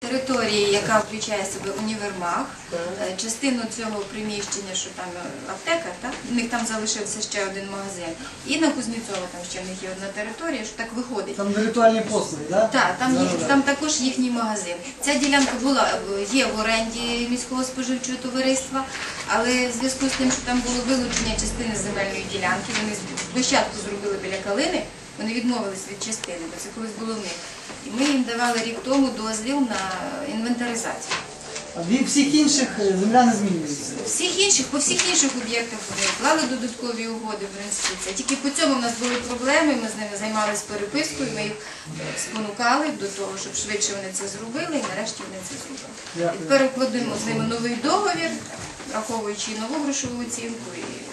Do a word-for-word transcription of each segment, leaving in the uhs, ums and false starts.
території, яка включає в себе універмаг, частину цього приміщення, що там аптека, так? У них там залишився ще один магазин. І на Кузнєцова там ще в них є одна територія, що так виходить. Там віртуальні послуги, так? Так, там, їх, там також їхній магазин. Ця ділянка була, є в оренді міського споживчого товариства, але в зв'язку з тим, що там було вилучення частини земельної ділянки, вони площадку зробили біля Калини, вони відмовились від частини, бо це колись було в них. І ми їм давали рік тому дозвіл на інвентаризацію. А від всіх інших земля не змінюється? Всіх інших, по всіх інших об'єктах вони вклали додаткові угоди, в принципі. Це тільки по цьому в нас були проблеми, ми з ними займалися перепискою, ми їх спонукали до того, щоб швидше вони це зробили, і нарешті вони це зробили. І тепер укладемо з ними новий договір, враховуючи нову грошову оцінку.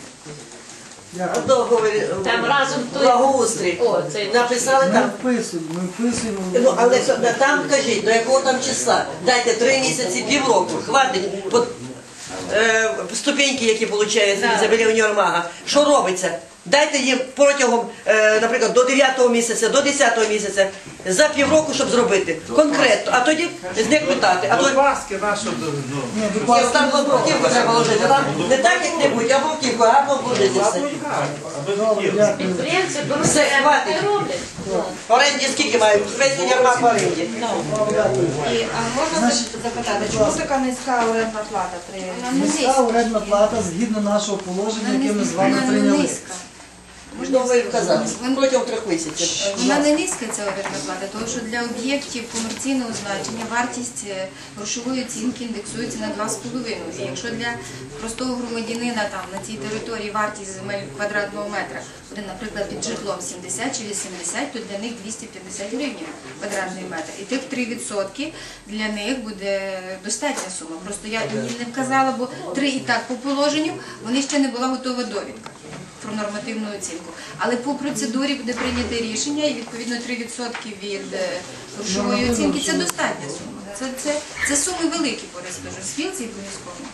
Там разом благоустрій. Написали Ми там. вписуємо, ми вписуємо. Ну, але там, кажіть, до якого там числа? Дайте три місяці, півроку, хватить. От, е, ступеньки, які получають за біля універмага. Що робиться? Дайте їм протягом, е, наприклад, до дев'ятого місяця, до десятого місяця, за півроку, щоб зробити. Конкретно. А тоді з них питати. А то Паски нашу. там бруківку треба ложити. Там не так як-небудь, а бруківку, гарно вложити все. підприємці беруть Все, хватить. і роблять. В оренді скільки мають? Весь універмаг в оренді. І, а можна запитати, чому така низька орендна плата при Низька орендна плата згідно нашого положення, яке ми з вами прийняли. Можна ви вказати, протягом трьох місяців. Вона не низька, ця орендна плата, тому що для об'єктів комерційного значення вартість грошової оцінки індексується на два з половиною. І якщо для простого громадянина там на цій території вартість земель квадратного метра буде, наприклад, під житлом сімдесят чи вісімдесят, то для них двісті п'ятдесят гривень квадратний метр. І тих три відсотки для них буде достатня сума. Просто я їм не вказала, бо три і так по положенню, вони ще не була готова довідка про нормативну оцінку. Але по процедурі буде прийнято рішення і відповідно три відсотки від грошової оцінки – це достатня сума. Це, це, це суми великі, скажу, спілці і по міському.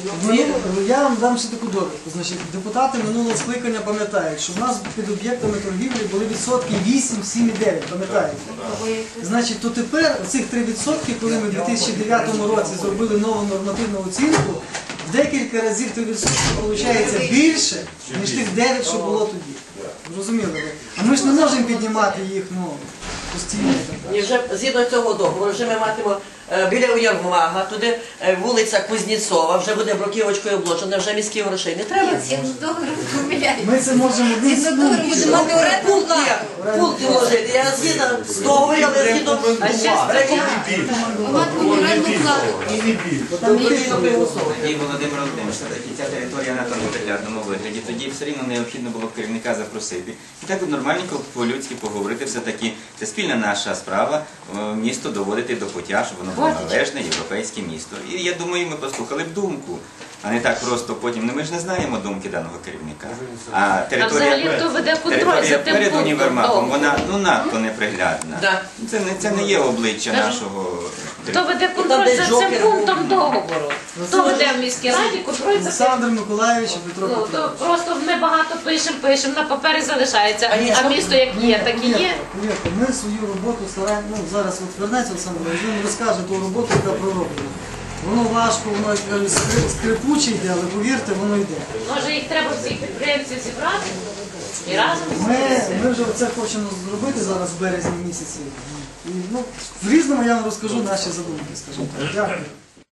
Я вам дам ще таку довідку. Значить, депутати минулого скликання пам'ятають, що в нас під об'єктами торгівлі були відсотки вісім, сім і дев'ять, пам'ятаєте? Значить, то тепер оцих три відсотки, коли ми в дві тисячі дев'ятому році зробили нову нормативну оцінку, в декілька разів три відсотки виходить більше, ніж тих дев'ять, що було тоді. Розуміли ви? А ми ж не можемо піднімати їх, ну, постійно. І вже згідно цього договору, вже ми матимемо е, біля універмага, туди е, вулиця Кузнєцова, вже буде бруківочкою обложена, вже міських грошей не треба. Згідно з договором помиляють. Ми це можемо одним Згідно з договором буде мати оренду Пункт плату. є, пункт вложити. Я згідно з договором, але згідно Мати оренду плату. Тоді Володимир Володимирович, все-таки ця територія на тому приглядному вигляді, тоді все рівно необхідно було керівника запросити. І так от нормальненько по-людськи поговорити все-таки. Це спільна наша справа, місто доводити до пуття, щоб воно було належне, європейське місто. І я думаю, ми послухали б думку, а не так просто потім. Ну, ми ж не знаємо думки даного керівника. А територія, територія перед універмагом, вона ну, надто неприглядна. Це не, це не є обличчя нашого... Хто веде контроль за цим пунктом договору? Хто веде в міській раді контроль за цим? Олександр Миколаївич і Петро Ну, Петрович. то просто ми багато пишемо, пишемо, на папері залишається, а місто як є, так і є. Повірте, ми свою роботу стараємо, ну зараз от вернеться Олександр, він розкаже ту роботу, яка пророблена. Воно важко, воно як кажуть, скрипуче йде, але повірте, воно йде. Може їх треба всіх підприємців зібрати і разом? Ми, ми вже це хочемо зробити зараз в березні місяці. І, ну, в різному я вам розкажу наші задумки, скажімо так. Дякую.